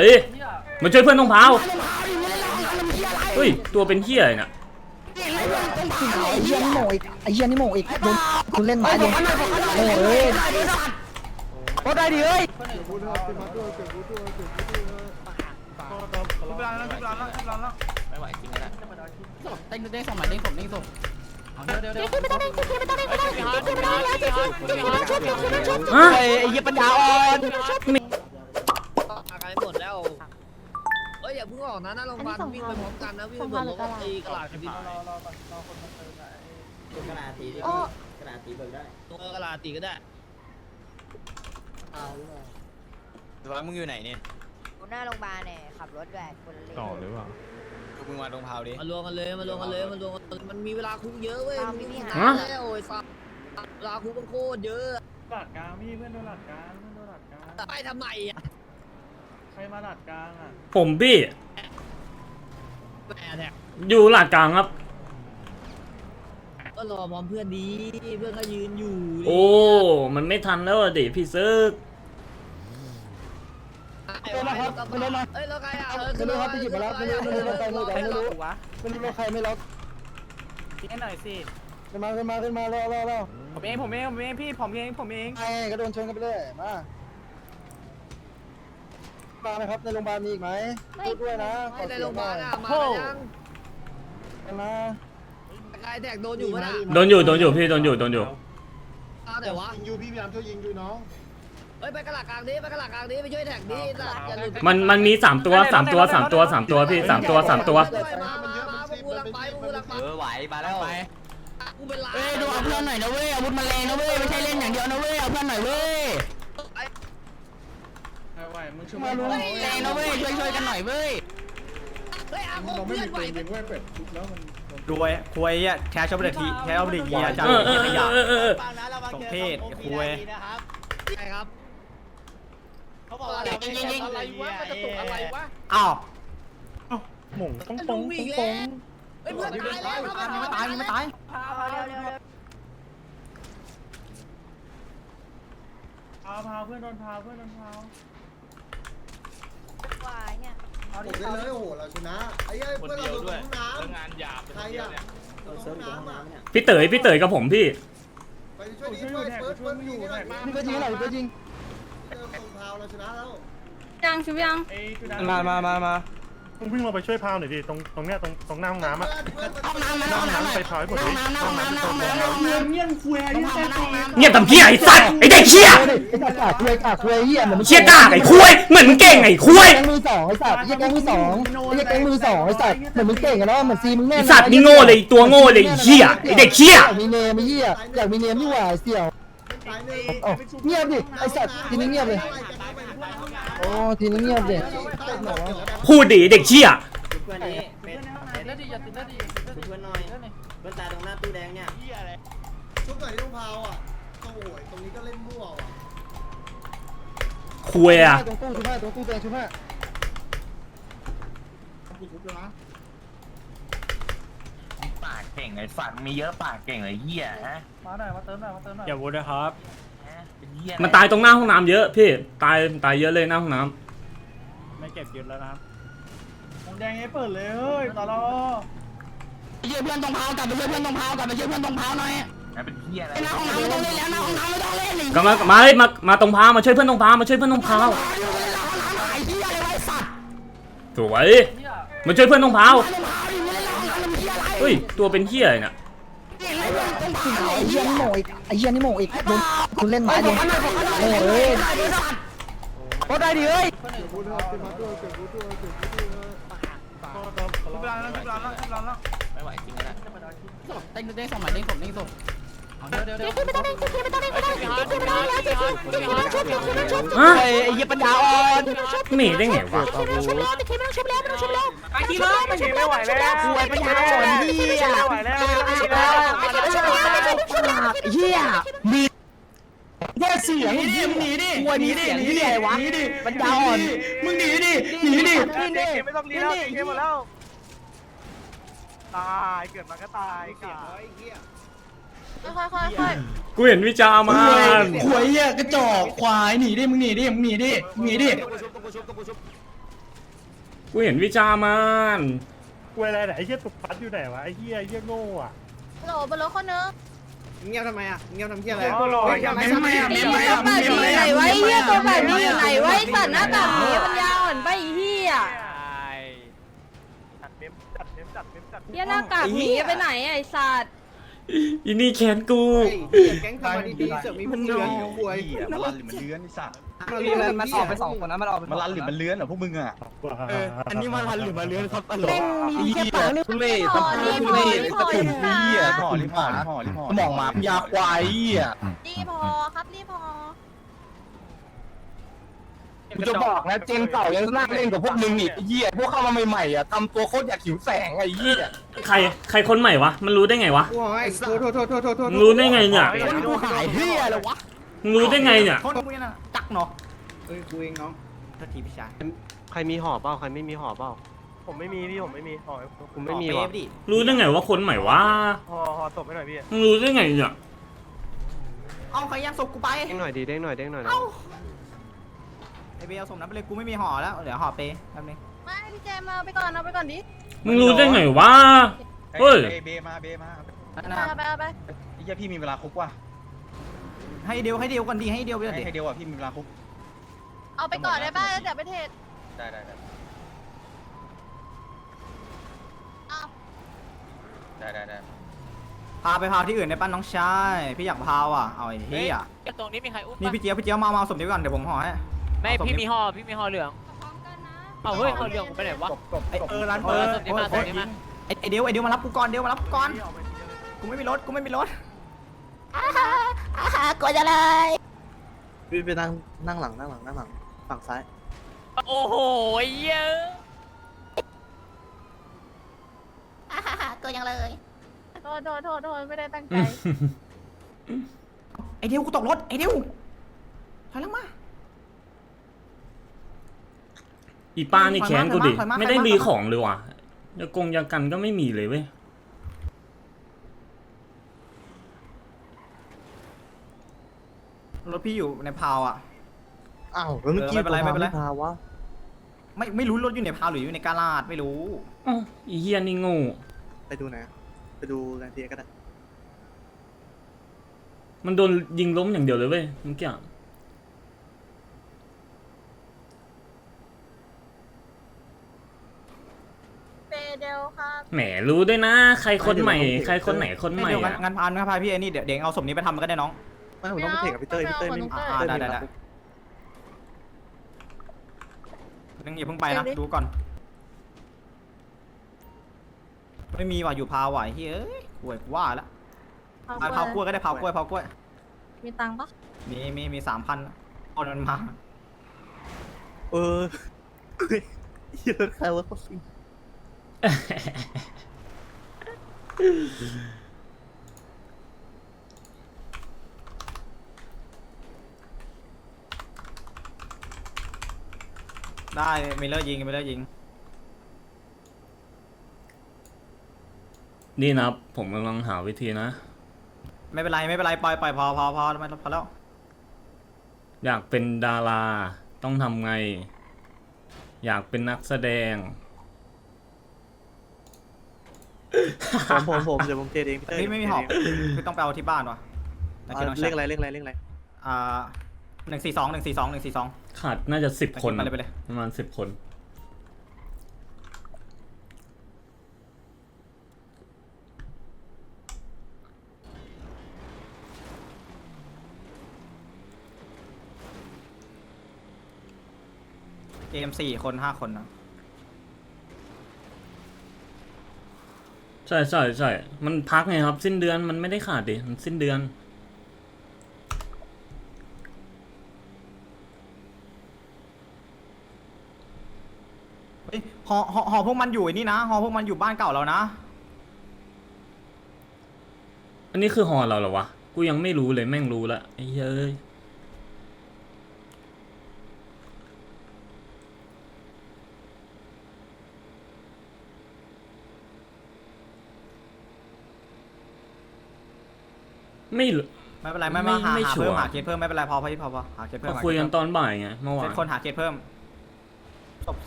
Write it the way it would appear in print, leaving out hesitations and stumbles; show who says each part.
Speaker 1: วยมาช่วยเพื่อนตรงเผาเฮ้ยตัวเป็นเหี้ยอะไรเนี่ย
Speaker 2: ไอ้เหี้ยนี่โง่อีกไอ้เหี้ยนี่โง่อีกโดนคุณเล่นไม้เลยโง่เอ้ยโคตรได้ดิเอ้ย
Speaker 3: ไม่ไหวจริงนะเต้นเด้งส่งหมายเด้งส่งเด้งส่งเดี๋ยว
Speaker 2: ไม่ต้องเล่นไม่ต้องเล่นไม่ต้องเล่นไม่ต้องเล่นไอ้เหี้ยปัญญาอ่อน
Speaker 4: อาการหมดแล้วเอ้ยอย่าเพิ่งออกนะหน้าโรงพยาบาลวิ่งไปพร้อมกันนะวิ่งไปพร้อมกันตีกระดาษกันดิกระดาษตีดิกระดาษตีเบิกได้กระดาษตีก็ได้ร้อยมึงอยู่ไหนเนี่ย
Speaker 5: หน้าโรงพยาบาลเนี่ยขับรถแบบคนเล่นต่อหรือเปล่า
Speaker 4: มึงมาตรงเผาดิมารวมกันเลยมันมีเวลาคุกเยอะเว้ยมันมีหาแล้วโอ้ยสัตว์เวลาคุกมันโคตรเยอะ
Speaker 6: หลัดกลางพี่เพื่อนโดนหลัดกลาง
Speaker 4: ไปทำไมอ่ะ
Speaker 6: ใครมาหลัดกลางอ่ะ
Speaker 1: ผมพี่อยู่หลักกลางครับ
Speaker 4: ก็รอพร้อมเพื่อนดีเพื่อนก็ยืนอยู่
Speaker 1: โอ้มันไม่ทันแล้วดิพี่ซึก
Speaker 2: ไม่รู้ครับไม่รู้นะ
Speaker 4: เอ้ยแล้วใครอ่ะ
Speaker 2: ไม่รู้ครับไปหยิบมาแล้วไม่รู้ไม่รู้ใครไม่ล็อก
Speaker 6: ทิ้งให้หน่อยสิ
Speaker 2: ขึ้นมารอ
Speaker 6: ผมเองพี่ผมเอง
Speaker 2: ไอ้ก็โดนชนกันไปเลยมาไหมครับในโรงพยาบาลมีอีกไหมพูดด้วยนะ
Speaker 4: ในโรงพยาบาลอ่ะมา
Speaker 2: ยังมา
Speaker 4: ใครแท็กโดนอยู่มั้ย
Speaker 1: โดนอยู่พี่โดนอยู่
Speaker 4: แต่ว่า
Speaker 2: ยิงอยู่พี่พยายามช่วยยิงอยู่น้อง
Speaker 4: ไปกระหลักกลางนี้ไปช่วยแท็กนี้
Speaker 1: มันมี3ตัวพี่3ตัว
Speaker 4: มาพวกกูลังไป
Speaker 3: ไหวมาแล้วไป
Speaker 4: กูเป็นล้าน
Speaker 2: ดูเอาเพื่อนหน่อยนะเว้ยอาวุธมันแรงนะเว้ยไม่ใช่เล่นอย่างเดียวนะเว้ยเอาเพื่อนหน่อยเว้ย
Speaker 6: มึงช่วย
Speaker 2: มาลุ้นแรงนะเว้ยช่วยกันหน่อยเว้ย
Speaker 4: เราไม่มีปืนยิงเว้ยเป็ด
Speaker 6: รวยคุยอ่ะแชร์ชอบเด็กทีแชร์ชอบเด็กเยียจังขยะสมเพศคุย
Speaker 4: ใช่ครับเขาบอกว่ายิงอะไรวะมันจะตกอะไรวะ
Speaker 6: อ้าวหม่งต้องปง
Speaker 4: เฮ้ยเพื่อนตายแล้ว
Speaker 2: ไม่ตาย
Speaker 6: พาเพื่อนโดนพา
Speaker 5: ว่าเนี่ย
Speaker 2: หมดเลยโอ้โหเราชนะไอ้เพื่อนเราโดนน้ำ
Speaker 3: งานหยาบ
Speaker 2: ใครอ่ะ
Speaker 1: พี่เต๋ยกับผมพี่
Speaker 2: ไปช่วยดิเปิดอยู่นี่ก็ยิงหน่อยก็ยิงตรงเท้าเราชนะแล้ว
Speaker 5: ยังชุบยัง
Speaker 6: มาต้องวิ่งลงไปช่วยพาวหน่อยดิตรงเนี้ยตรงหน้าห้องน้ำอ่ะห้องน้ำไปถอยหมดดิห้องน้ำ
Speaker 2: เงี้ยคุย
Speaker 1: เงียบทำเหี้ยไอ้สัตว์ไอ้เด็กเหี้ย
Speaker 2: ไอ้กากคุยเหี้ยเหมือน
Speaker 1: เชี่ยกากไอ้คุยเหมือนมึงเก่งไอ้คุย
Speaker 2: แกงมือ2ไอ้สัตว์แกงมือ2ไอ้แกงมือ2ไอ้สัตว์เหมือนมึงเก่งกันแล้วเหมือนซีมึงแน่
Speaker 1: ไอ้สัตว์นี่โง่เลยตัวโง่เลยเหี้ยไอ้เด็กเหี้ย
Speaker 2: มีเนมไอ้เหี้ยอยากมีเนมที่หว่าเสี่ยวเงียบดิไอ้สัตว์ทีนี้เงียบเลยโอ้ทีนี้เงียบดิ
Speaker 1: พูดดิเด็กเชี่ย
Speaker 4: เพื่อนนี้เป็นเพื่อนหน่อยเพื่อนตาตรงหน้าตู้แดงเนี่ย
Speaker 2: ชุบหน่อยที่ต้องพาวอ่ะโอ้โหตรงนี้ก็เล่นมั่วอ่ะ
Speaker 1: คุยอ่ะ
Speaker 2: ตรงตู้ชุบตู้แดงชุบผ้า
Speaker 3: ปากเก่งไอ้ฝันมีเยอะปากเก่งไอ้เหี้ยฮะ
Speaker 6: มาเติมหน่อยอย่าวุ้นนะครับ
Speaker 1: มันตายตรงหน้าห้องน้ำเยอะพี่ตายเยอะเลยหน้าห้องน้
Speaker 6: ำไม่เก็บยึดแล้วนะครับผมแดงให้เปิดเลยเฮ้ยตลอ
Speaker 2: เพื่อนตรงเผากลับไปเพื่อนตรงเผากลับไปเพื่อนตรงเผาหน่อย
Speaker 3: เป็นเหี้ยอะไร
Speaker 2: หน้าห้องน้ำไม่ต้องเล่นแล้วหน้าห้องน้ำไม่ต้องเล่น
Speaker 1: ก็มาตรงพามาช่วยเพื่อนตรงพามาช่วยเพื่อนตรงพาสวยมาช่วยเพื่อนตรงพาเฮ้ยตัวเป็นเหี้ยเนี่ย
Speaker 2: ไอ้เหี้ยนี่โง่อีกโดนคุณเล่นไม้เลยโง่เอ้ยโคตรได้ดิเอ้ย
Speaker 3: ไม่ไหวจริงนะ
Speaker 4: เต้นเด้งส่งหมายเด้งส่งเด้งส่ง
Speaker 5: ไม่ต้องเล่นไม่ต้องเล่นไม่ต้องเล่นไ
Speaker 2: อ้เหี้ยปัญญาอ่อน
Speaker 1: หนีได้ไงวะ
Speaker 5: ชุบแล้ว
Speaker 6: ไอ้ที่ไม่ไหวแล้ว
Speaker 2: ป่วยปัญญาอ่อนเหี้ยเหี้ยดีแย่เสียงหนีดิหนีดิวะปัญญาอ่อนมึงหนีดิ
Speaker 6: ไม่ต้องรีแล้วเกมหมดแล้วตายเกิดมาก็ตายเสียงไอ้เหี้ย
Speaker 5: ค่อย
Speaker 1: กูเห็นวิจารณ์มา
Speaker 2: ขวยเหี้ยกระจอกควายหนีดิมึงหนีดิ
Speaker 1: กูเห็นวิจามัน
Speaker 6: กูอะไรไหนไอ้เหี้ยตุกปัดอยู่ไหนวะไอ้เหี้ยโง่อะ
Speaker 5: โหลบนรถคนนึง
Speaker 3: เงียบทำไมอ่ะเงียบทำเงียบอะไร
Speaker 6: โอ้โห
Speaker 5: ไหนไว้เฮียตัวแบบนี้อยู่ไหนไว้สัตว์หน้าตาหมีมันยาวอ่อนไปเฮียเฮียหน้ากากหมีไปไหนไอ้สัตว์
Speaker 1: อีนี่แขนกู
Speaker 3: แก๊งทำมาดีๆเสือกมีพวกเลือนอยู่ป่วย
Speaker 7: มันรันหรือมันเลื้อนไอ้สัตว์
Speaker 2: มันออกไปสองคนนะมันออกไป
Speaker 7: มันรันหรือมันเลื้อนเหรอพวกมึงอ่ะ
Speaker 6: อันนี้มาทันหรือมาเลื้อนครับตลก
Speaker 2: เล่นมีแค่ปากนี่
Speaker 7: ทุเรศ
Speaker 5: พอรีพอรีพอรีพอ
Speaker 7: เหี้ยห่อรีห่อมองหมาพยาควายอ่ะ
Speaker 5: รีพอครับรีพอ
Speaker 8: กูจะบอกนะเจนเก่ายังน่าเล่นกับพวกมึงอีกไอ้เหี้ยพวกเข้ามาใหม่ๆอ่ะทำตัวโคตรอยากหิวแสงไอ้เหี้ย
Speaker 1: ใครคนใหม่วะมันรู้ได้ไงวะ
Speaker 3: โอ้ยโทษ
Speaker 1: มึงรู้ได้ไงเนี่ย
Speaker 2: คนกูหายเฮียเลยวะ
Speaker 1: มึงรู้ได้ไงเนี่ย
Speaker 3: โทษกูน่ะจักเนาะเอ้ยกูเองน้องโทษทีพี่ชาย
Speaker 9: ใครมีห่อเปล่าใครไม่มีห่อเปล่า
Speaker 6: ผมไม่มีพี่ผมไม่มีห่อ
Speaker 9: ผมไม่มี
Speaker 3: เว
Speaker 9: ว่ะ
Speaker 3: ฟดิ
Speaker 1: รู้ได้ไงว่าคนใหม่วะ
Speaker 6: ห่อศพให้หน่อยพี่
Speaker 1: มึงรู้ได้ไงเนี่ย
Speaker 3: เอาใครย่างศพกูไป
Speaker 9: เด้งหน่อยดีเด้งหน่อยนะ
Speaker 3: ไอเบลเอาศพนั้นไปเลยกูไม่มีห่อแล้วเดี๋ยวห่อเปแป๊บนึง
Speaker 5: ไม่พี่เจมเอาไปก่อนเอาไปก่อนดิ
Speaker 1: มึงรู้ได้ไงวะเฮ้ย
Speaker 7: เบมา
Speaker 5: เอาไปเอาไป
Speaker 7: ไอ้เหี้ยพี่มีเวลาคุกว่ะ
Speaker 3: ให้เดียวก่อนดีให้เดียวไปเลย
Speaker 7: ให้เดียวอ่ะพี่มีเวลาคุก
Speaker 5: เอาไปก่อนได้ป่ะเดี๋ยวไปเทรด
Speaker 7: ได้
Speaker 5: เอา
Speaker 3: พาไปพาที่อื่นได้ป่ะน้องชายพี่อยากพาว่ะเอาไอ้เหี้ย
Speaker 10: ตรงนี้มีใครอุ้ม
Speaker 3: นี่พี่เจี๊ยบมาเอาศพนี้ก่อนเดี๋ยวผมห่อให้
Speaker 10: ไม่พี่มีห่อเหลือง
Speaker 5: พร้อมกันนะ
Speaker 10: เอาเฮ้ยห่อเหลืองผมไปไหนวะ
Speaker 3: ไอร้านเปิดไอเดียวมารับกูก่อนมารับกูก่อนกูไม่มีรถ
Speaker 5: กดจะเลย
Speaker 2: พี่ไปนั่งหลังฝั่งซ้าย
Speaker 10: โอ้โหเยอะ
Speaker 5: กดยังเลยโทษไม่ได้ตั้งใจ
Speaker 3: ไอเดียวกูตกรถไอเดียวถอยหลังมา
Speaker 1: อีป้านี่แขนกูดิ
Speaker 3: ถอยมา
Speaker 1: ไม่ได้รีของเลยว่ะยากันก็ไม่มีเลยเว้ย
Speaker 3: รถพี่อยู่ในพาวอ่ะ
Speaker 2: อ้าวแล้วเมื่อกี้
Speaker 3: ไม่เป็นไร
Speaker 2: พาวะ
Speaker 3: ไม่รู้รถอยู่ในพาวหรืออยู่ในกาลาดไม่รู้
Speaker 1: อ้าวอีเฮียนี่โง่
Speaker 2: ไปดูไหนไปดูกันทีก็ได้
Speaker 1: มันโดนยิงล้มอย่างเดียวเลยเว้ยเมื่อกี้
Speaker 5: เดลครับ
Speaker 1: แหมรู้ด้วยนะ ใครคนใหม่ ใครคนไหนคนใหม่
Speaker 3: เดี๋ยว
Speaker 1: อะ
Speaker 3: งั้นพาพี่ไอ้นี่เดี๋ยวเอาศพนี้ไปทำมันก็ได้น้อง
Speaker 2: ไม่ผมต้องไปเทกับพี่เต้ยไม่มี
Speaker 3: ได้นึงอย่าเพิ่งไปนะดูก่อนไม่มีว่ะอยู่พาวว่ะเฮ้ยกล้วยว่าแล้วพาวกล้วยก็ได้พาวกล้วย
Speaker 5: มีตังค์ปะ
Speaker 3: มี3,000เอามันมา
Speaker 2: เฮียใครวะเขาซิง
Speaker 3: ได้มิลเลอร์ยิง
Speaker 1: นี่นะผมกำลังหาวิธีนะ
Speaker 3: ไม่เป็นไรปล่อยพอแล้ว
Speaker 1: อยากเป็นดาราต้องทำไง อยากเป็นนักแสดง
Speaker 2: ผมเดี๋ยวผมเทเองพี่เต้ย
Speaker 3: ไม่มีหอบคือต้องไปเอาที่บ้านวะ
Speaker 2: เลขอะไร
Speaker 3: 142
Speaker 1: ขาดน่าจะ10 คน
Speaker 3: ไปเลย
Speaker 1: ประมาณ10 คน
Speaker 3: เกม4 คน 5 คนนะ
Speaker 1: ใช่มันพักไงครับ สิ้นเดือนมันไม่ได้ขาดดิมันสิ้นเดือน
Speaker 3: หอพวกมันอยู่นี่นะหอพวกมันอยู่บ้านเก่าเรานะ
Speaker 1: อันนี้คือฮอเราเหรอวะ กูยังไม่รู้เลยแม่งรู้ละไอ้เฮ้ย ไม่รู้
Speaker 3: ไม่เป็นไรไม่หา
Speaker 1: ไม่ชัวร์
Speaker 3: หาเคสเพิ่มไม่เป็นไรพอหาเคสเพิ่ม
Speaker 1: มาคุยกันตอนบ่ายไงเมื่อวาน
Speaker 3: คนหาเคสเพิ่ม